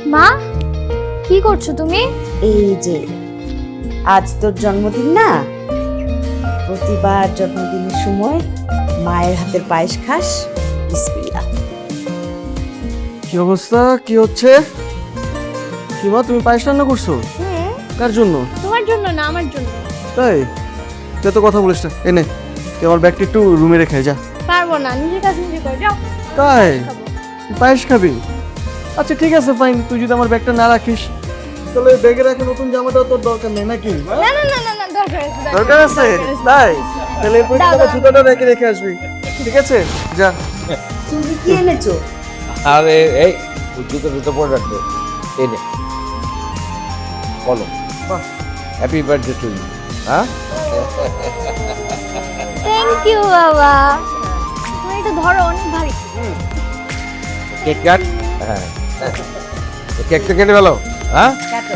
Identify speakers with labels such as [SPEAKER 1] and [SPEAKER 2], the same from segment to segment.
[SPEAKER 1] মা, কি করছো তুমি?
[SPEAKER 2] এই যে আজ তোর জন্মদিন না, প্রতিবার জন্মদিনের সময় মায়ের হাতের পায়েস খাস। বিসমিল্লাহ।
[SPEAKER 3] কি অবস্থা, কি হচ্ছে? কি মা, তুমি পায়েস রান্না করছো? কার জন্য?
[SPEAKER 1] তোমার জন্য না, আমার জন্য।
[SPEAKER 3] তাই? তুই তো কথা বলিস না, এনে তুই আমার ব্যাগটা একটু রুমে রেখে যা।
[SPEAKER 1] পারবো না, নিজের কাজ নিজে করে যাও।
[SPEAKER 3] তাই? তুই পায়েস খাবি? আচ্ছা ঠিক আছে ফাইন, তুই যদি আমার ব্যাগটা না রাখিস তাহলে ব্যাগে রাখে নতুন জামাটাও তোর দরকার নেই নাকি?
[SPEAKER 1] না না না না না, দরকার আছে,
[SPEAKER 3] দরকার আছে? তাই? তাহলে এরপর আমার জুতোটা রেখে রেখে আসবি, ঠিক আছে? যা।
[SPEAKER 2] তুমি কি এনেছো?
[SPEAKER 4] আরে এই জুতো পরে রাখবে। এই নে বলো, হ্যাপি বার্থডে টু ইউ। হ্যাঁ,
[SPEAKER 1] থ্যাংক ইউ বাবা। তুমি এটা ধরো, অনেক ভারী।
[SPEAKER 4] Cake cut. হ্যাঁ, কেকটা কেটে ফেলো। হ্যাঁ,
[SPEAKER 2] কাটো।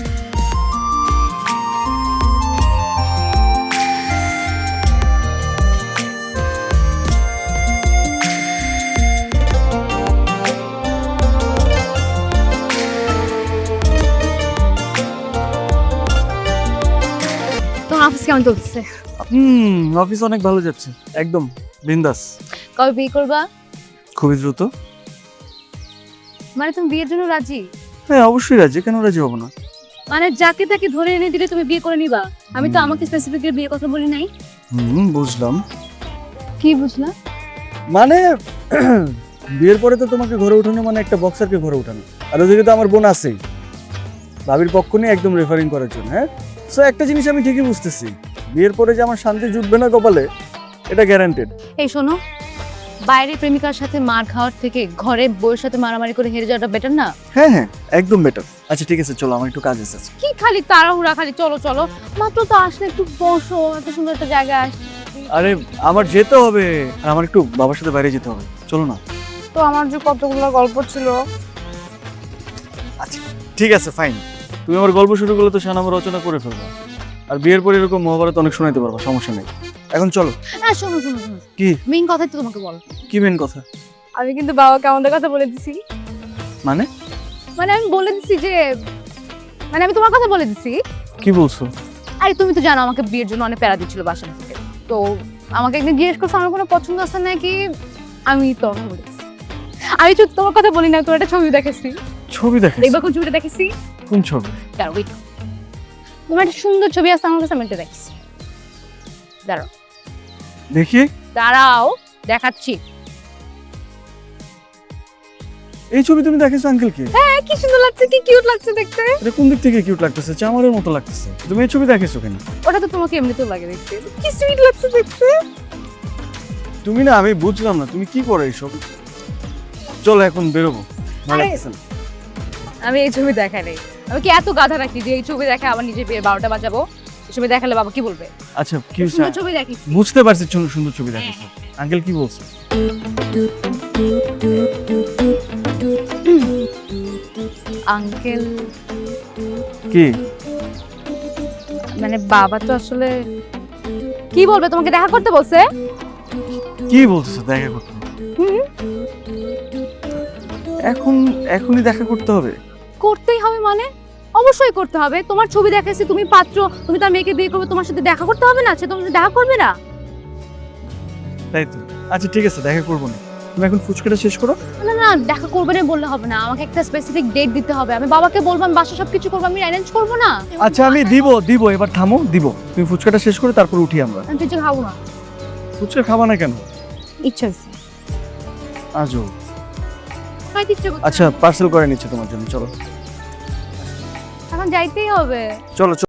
[SPEAKER 1] তোমার অফিস কেমন চলছে?
[SPEAKER 3] অফিস অনেক ভালো যাচ্ছে, একদম বিন্দাস।
[SPEAKER 1] কবে বিয়ে করবা?
[SPEAKER 3] খুবই দ্রুত।
[SPEAKER 1] মানে তুমি বিয়ের জন্য রাজি?
[SPEAKER 3] হ্যাঁ অবশ্যই রাজি, কেন রাজি হবো না?
[SPEAKER 1] মানে যাকে তাকে ধরে এনে দিলে তুমি বিয়ে করে নিবা? আমি তো আমাকে স্পেসিফিক বিয়ে কথা বলি নাই।
[SPEAKER 3] বুঝলাম।
[SPEAKER 1] কি বুঝলা?
[SPEAKER 3] মানে বিয়ের পরে তো তোমাকে ঘরে উঠানো মানে একটা বক্সারকে ঘরে উঠানো, আর ওদিকে তো আমার বোন আছেই ভাবির পক্ষ নিয়ে একদম রেফারিং করার জন্য। হ্যাঁ, সো একটা জিনিস আমি ঠিকই বুঝতেছি, বিয়ের পরে যে আমার শান্তি জুটবে না কপালে, এটা গ্যারান্টেড।
[SPEAKER 1] এই শোনো, বাইরে প্রেমিকার সাথে মার খাওয়ার থেকে ঘরে বউয়ের সাথে মারামারি করে হেরে যাওয়াটা বেটার না?
[SPEAKER 3] হ্যাঁ হ্যাঁ, একদম বেটার। আচ্ছা ঠিক আছে, চলো আমার একটু কাজ আছে।
[SPEAKER 1] কি খালি তাড়াহুড়া, খালি চলো চলো। মাত্র তো আসলে, একটু বসো, এত সুন্দর একটা জায়গায় আস।
[SPEAKER 3] আরে আমার যেতে হবে, আর আমার একটু বাবার সাথে বাইরে যেতে হবে, চলো না।
[SPEAKER 1] তো আমার যে কতগুলো গল্প ছিল।
[SPEAKER 3] আচ্ছা ঠিক আছে ফাইন, তুমি আমার গল্প শুরু করলে তো শানামা রচনা করে ফেলবা, আর বিয়ের পরে এরকম মহাভারত অনেক শোনাইতে পারবা, সমস্যা নেই। এখন চলো।
[SPEAKER 1] হ্যাঁ শোনো শোনো শোনো,
[SPEAKER 3] কি?
[SPEAKER 1] মেইন কথাই তো তোমাকে বল।
[SPEAKER 3] কি মেন কথা?
[SPEAKER 1] আমি কিন্তু বাবাকে আমাদের কথা বলে দিছি।
[SPEAKER 3] মানে?
[SPEAKER 1] মানে আমি বলে দিছি যে, মানে আমি তোমার কথা বলে দিছি।
[SPEAKER 3] কি বলছো?
[SPEAKER 1] আরে তুমি তো জানো আমাকে বিয়ের জন্য অনেক প্যারা দিচ্ছিল বাসা থেকে। তো আমাকে একদিন জিজ্ঞেস করছো আমার কোনো পছন্দ আছে নাকি, আমি তোমাকে বলেছি। আমি শুধু তোমার কথা বলি না, তোর একটা ছবি দেখেছি।
[SPEAKER 3] ছবি দেখে?
[SPEAKER 1] দেখবা কোন ছবিটা দেখেছি?
[SPEAKER 3] কোন ছবি?
[SPEAKER 1] দাঁড়াও, ওয়েট। তোমার একটা সুন্দর ছবি আছে আমার কাছে, আমি এটা দেখেছি। দাঁড়াও
[SPEAKER 3] দেখি।
[SPEAKER 1] দাঁড়াও, দেখাচ্ছি।
[SPEAKER 3] এই ছবি তুমি দেখেছো আঙ্কেলকে?
[SPEAKER 1] হ্যাঁ, কি সুন্দর লাগছে, কি কিউট লাগছে দেখতে।
[SPEAKER 3] এটা কোন দিক থেকে কিউট লাগতেছে? চামারের মতো লাগতেছে। তুমি এই ছবি দেখেছো কেন?
[SPEAKER 1] ওটা তো তোমাকে এমনিতেও লাগে দেখতে, কি সুইট লাগছে দেখতে।
[SPEAKER 3] তুমি না, আমি বুঝলাম না তুমি কি করো এইসব। চলো এখন বেরোবো, ভালো
[SPEAKER 1] আরে,
[SPEAKER 3] লাগতেছে না।
[SPEAKER 1] আমি এই ছবি দেখাই নাই। আমি কি এত গাধা নাকি যে এই ছবি দেখে আবার নিজে বিয়ে 12টা বাজাবো? এই ছবি দেখালে বাবা কি বলবে?
[SPEAKER 3] আচ্ছা কি হয়েছে?
[SPEAKER 1] সুন্দর ছবি দেখিস।
[SPEAKER 3] বুঝতে পারছি, সুন্দর ছবি দেখেছো। আঙ্কেল কি বলছে?
[SPEAKER 1] আঙ্কেল
[SPEAKER 3] কি?
[SPEAKER 1] মানে বাবা তো আসলে কি বলবে, তোমাকে দেখা করতে বলছে।
[SPEAKER 3] কি বলতেছো দেখা করতে? এখনই দেখা করতে হবে?
[SPEAKER 1] করতেই হবে মানে? অবশ্যই করতে হবে। তোমার ছবি দেখাইছি, তুমি পাত্র, তুমি তার মেয়েকে বিয়ে করবে, তোমার সাথে দেখা করতে হবে না? সে তোমার সাথে দেখা করবে না?
[SPEAKER 3] তাই তো। আচ্ছা ঠিক আছে, দেখা করবো না। তুমি এখন ফুচকাটা শেষ করো।
[SPEAKER 1] না না, দেখা করবে না বললে হবে না, আমাকে একটা স্পেসিফিক ডেট দিতে হবে। আমি বাবাকে বলবো, আমি বাসা সবকিছু করবো, আমি অ্যারেঞ্জ করবো না?
[SPEAKER 3] আচ্ছা আমি দিব, এবার থামো, দিব। তুমি ফুচকাটা শেষ করে তারপর উঠি আমরা।
[SPEAKER 1] আমি কিছু খাবো না।
[SPEAKER 3] ফুচকা খাবা না কেন?
[SPEAKER 1] ইচ্ছা হচ্ছে,
[SPEAKER 3] আজও।
[SPEAKER 1] খাইতে ইচ্ছা করছে।
[SPEAKER 3] আচ্ছা পার্সেল করে নিচ্ছে তোমার জন্য, চলো।
[SPEAKER 1] এখন যাইতেই হবে।
[SPEAKER 3] চলো।